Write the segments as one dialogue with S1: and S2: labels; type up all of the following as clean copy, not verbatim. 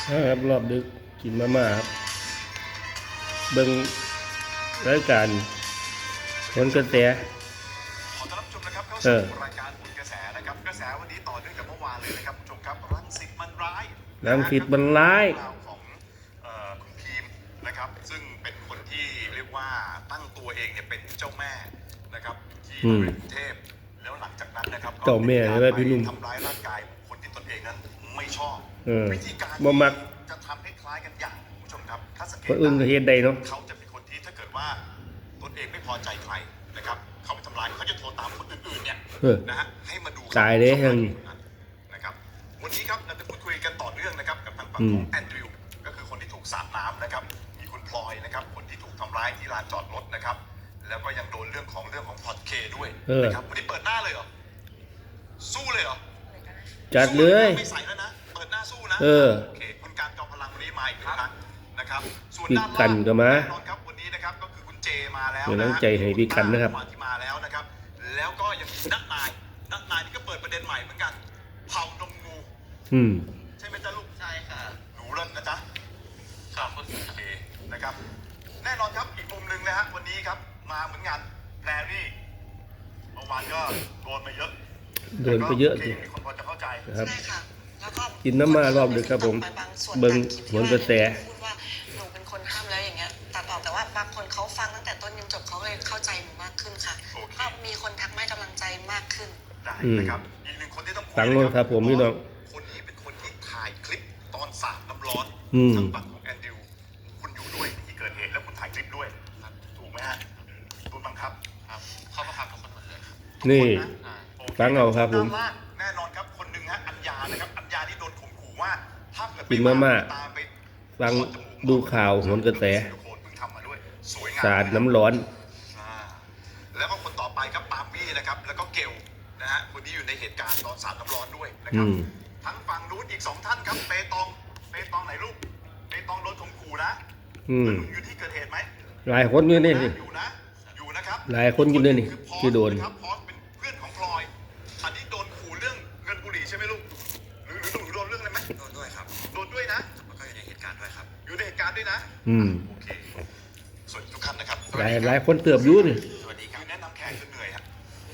S1: ครับรอบดึกกินมาม่าครับเบิ่งรายการผลกระแส
S2: ขอต้อนรับชมนะครับเข้าสู่รายการผลกระแสนะครับกระแสวันนี้ต่อเนื่องจากเมื่อวานเลยนะครับผู้ชมครับรังสิตมันร้าย
S1: รังสิตมันร้าย
S2: ของคุณพีมนะครับซึ่งเป็นคนที่เรียกว่าตั้งตัวเองเนี่ยเป็นเจ้าแม่นะครับที่กรุงเทพแล้วหลังจากนั้นนะครับ
S1: เจ้าแม่ใช่ไหมพี่นุ่ม
S2: ทำร้ายร่างกายคนที่ตนเองนั้นไม่ชอบวิธีการจะทำให้คล้ายกันอย่างผู้ชมครับถ้าสังเกต
S1: อื่นก็เฮ็ดได้เนาะ
S2: เขาจะเป็นคนที่ถ้าเกิดว่าตนเองไม่พอใจใครนะครับเขาไปทำร้ายเขาจะโทรตามคนอื่นๆเนี่ยนะฮะให้มาดู
S1: ตายเลยยัง
S2: นะครับวันนี้ครับเราจะพูดคุยกันต่อเนื่องนะครับกับทางฝั่งของแอนดริวก็คือคนที่ถูกสาดน้ำนะครับมีคุณพลอยนะครับคนที่ถูกทำร้ายที่ลานจอดรถนะครับแล้วก็ยังโดนเรื่องของพอดเคด้วยนะครับวันนี้เปิดหน้าเลยเหรอสู้เลยเหรอ
S1: จัดเลย
S2: ไม่ใส่แล้วนะเปิดหน้าสู้นะโอเคคุณการจอมพลังวันนี้มาอีกครั้งนะครับส่วนด้านล่าง
S1: ก็มา
S2: แน่นอนครับวันนี้นะครับก็คือคุณเจมาแล้ว
S1: นะใจให้พี่กันนะครับ
S2: ที่มาแล้วนะครับแล้วก็ยังมีนักนายนี่ก็เปิดประเด็นใหม่เหมือนกันเผานมงูใช่ไหมจ๊ะลูก
S3: ใช่ค่ะ
S2: หนูเล่นนะจ๊ะ
S3: ครับโอ
S2: เคนะครับแน่นอนครับอีกมุมหนึ่งนะฮะวันนี้ครับมาเหมือนงานแพรรี่เมื่อวานก็โดนมาเยอะ
S1: สิ
S2: มีคนพอจะเข้าใจ
S1: ครับ
S3: ใช่ค่ะแล้วก็
S1: กินน้ำมารอบดึกครับผมเบิ่งผลกระแส
S3: พูดว่าหนูเป็นคนห้ามแล้วอย่างเงี้ยตัดออกแต่ว่าบางคนเขาฟังตั้งแต่ต้นจนจบเขาเลยเข้าใจหนูมากขึ้นค่ะก็มีคนทักให้กำลังใจมากขึ้น
S2: ได้นะครับอีกหนึ่งคนที่ต้อง
S1: ฟังเลยครับผมพี่น้อง
S2: คนนี้เป็นคนที่ถ่ายคลิปตอนสาดน้ำร้อนทางฝั่งของแอนดิวคุณอยู่ด้วยที่เกิดเหตุแล้วคุณถ่ายคลิปด้วยถูกไหมฮะถูกบังคับ
S3: ครับเขาบังคับทุกคนหมดเลย
S1: นี่ฟังเอาครับผม
S2: แน่นอนครับคนหนึ่งฮะอัญญานะครับอัญญาที่โดนข่มขู่ว่าถ้าเกิด
S1: กินมาม่าฟังดูข่าวผลกระแสสาดน้ำร้อน
S2: แล้วก็คนต่อไปครับปาล์มมี่นะครับแล้วก็เกลนะฮะคนที่อยู่ในเหตุการณ์ตอนสาดน้ำร้อนด้วยนะครับทั้งฝั่งนู้นอีก2ท่านครับเปตองไหนลูกเปตองโดนข่มขู่นะอยู่ที่เกิดเหตุไหม
S1: หลายคนอยู่นี่
S2: อยู่นะครับ
S1: หลายคนอยู่นี่ที่โดน
S2: ครับพอสเป็นเพื่อนของพลอยอันนี้โดนขู่เรื่องเงินบุหรี่ใช่ไหมลูกหรือโดนเรื่องอะไรไหม
S3: โดนด้วยครับ
S2: โดนด้วยนะ
S3: แล้วก็อยู่ในเหตุการณ์ด้วยครับ
S2: อยู่ในเหตุการณ์ด้วยนะโอเคส่วนทุกท่านนะครับ
S1: หลายคนเติบอยู่นี่
S2: สวัสดีครับแนะนำแขกจนเหนื่อยครับ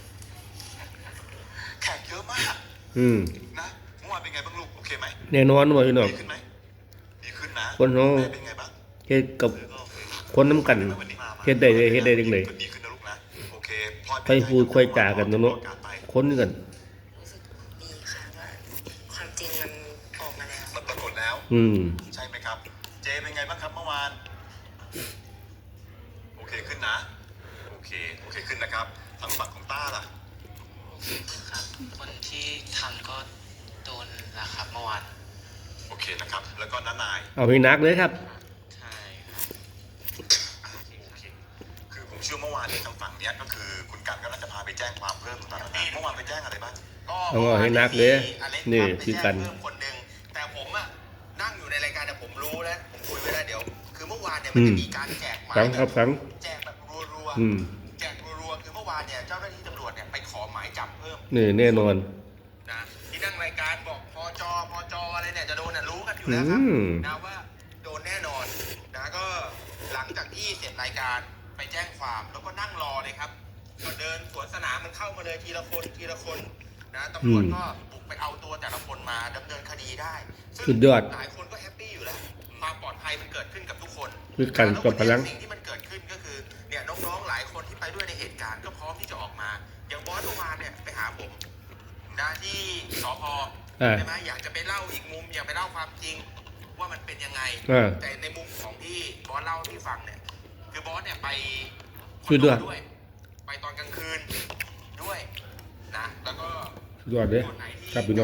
S2: แขกเยอะมากนะเมื่อวานเป็นไงบ้างลูกโอเคไหม
S1: แน่นอนว่าพี่น้อง
S2: ดีขึ้นไหมดีขึ้นนะ
S1: คนเขา
S2: เป็นไงบ้าง
S1: เฮ็ดกับคนน้ำกันเฮ็ดได้จังเลย
S2: ดีขึ้นนะลูกนะโอเค
S1: ค่อยพูดค่อยจากันเนาะคนกัน
S3: ดีค่ะว่าความจริงมันออกมาแล้ว
S2: มันปรากฏแล้วใช่ไหมครับเจเป็นไงบ้างครับเมื่อวานโอเคขึ้นนะโอเคขึ้นนะครับทางฝั่งของต้าล่ะ
S3: ครับคนที่ทำก็โดนนะครับเมื่อวาน
S2: โอเคนะครับแล้วก็น้านาย
S1: เอาให้นักเลยครับ
S3: ใช่
S2: คือผมเชื่อเมื่อวานนี้ทางฝั่งเนี้ยก็คือคุณกันก็น่าจะพาไปแจ้งความเพิ่มตอนนั้นเมื่อวานไปแจ้งอะไรบ้าง
S1: ก็ให้นักเลยนี่คือกัน
S4: คนหนึ่งแต่ผมอะนั่งอยู่ในรายการแต่ผมรู้แล้วผมคุยไว้แล้วเดี๋ยวคือเมื่อวานเนี่ยมันจะมีการแจกหมายแจกแบบรัวๆแจกรัวๆคือเมื่อวานเนี่ยเจ้าหน้าที่ตำรวจเนี่ยไปขอหมายจับเพิ่ม
S1: นี่แน่นอน
S4: นะที่นั่งรายการบอกพจอะไรเนี่ยจะโดนรู้กันอยู่แล้วครับนะว่าโดนแน่นอนนะก็หลังจากที่เสร็จรายการไปแจ้งความแล้วก็นั่งรอเลยครับก็เดินสวนสนามมันเข้ามาเลยทีละคนนะตำรวจก็บุกไปเอาตัวแต่ละคนมาดำเนินคดีได้
S1: สุดยอด
S4: หลายคนก็แฮปปี้อยู่แล้วความปลอดภัยมันเกิดขึ้นกับทุกคน
S1: คือกันกับพลัง
S4: สิ่งที่มันเกิดขึ้นก็คือเนี่ยน้องๆหลายคนที่ไปด้วยในเหตุการณ์ก็พร้อมที่จะออกมาอย่างบอสเมื่อวานเนี่ยไปหาผมนะที่สพ.ใช่ไหมอยากจะไปเล่าอีกมุมอยากไปเล่าความจริงว่ามันเป็นยังไงแต่ในมุมของที่บอสเล่าที่ฟังเนี่ยคือบอสเนี่ยไปด้วยไปตอนกลางคืนด้วยนะแล้วก็
S1: ยอดเลยครับพี่น้อง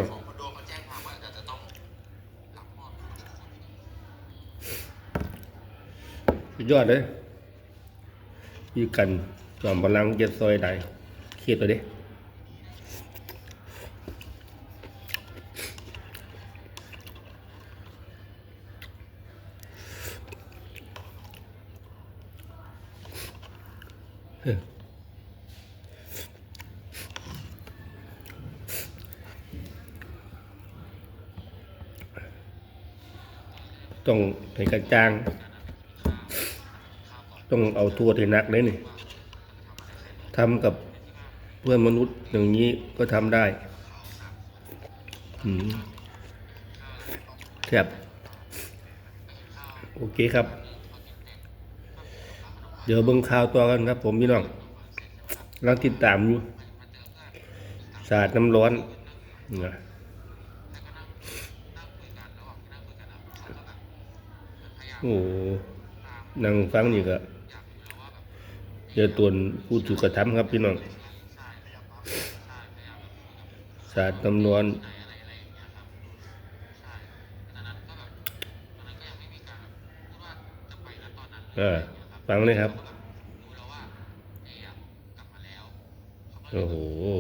S1: ยอดเลยพี่กันจอมพลังเจ็ดซอยใดเขียดตัวดิต้องให้กระจ่าง ต้องเอาโทษให้หนักเลยนี่ทำกับเพื่อนมนุษย์อย่างนี้ก็ทำได้ครับโอเคครับ เดี๋ยวเบิ่งข่าวต่อกันครับผมพี่น้องกำลังติดตามอยู่สาดน้ำร้อนนะโอ้นั่งฟังนี่ก็เจอตัวผู้ถูกกระทำครับพี่น้องสาดน้ำร้อนฟังเลยครับโอ้โห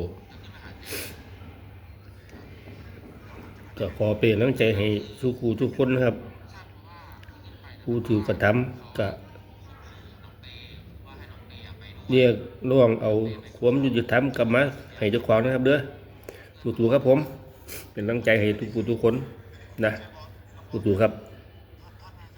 S1: ก็ขอเป็นกำลังใจให้ทุกครูทุกคนนะครับผู้ถูกกระทำก็เรียกร้องเอาความยุติธรรมกลับมาให้เจ้าของนะครับเด้อสู้ๆครับผมเป็นกำลังใจให้ทุกผู้ทุกคนนะสู้ๆครับ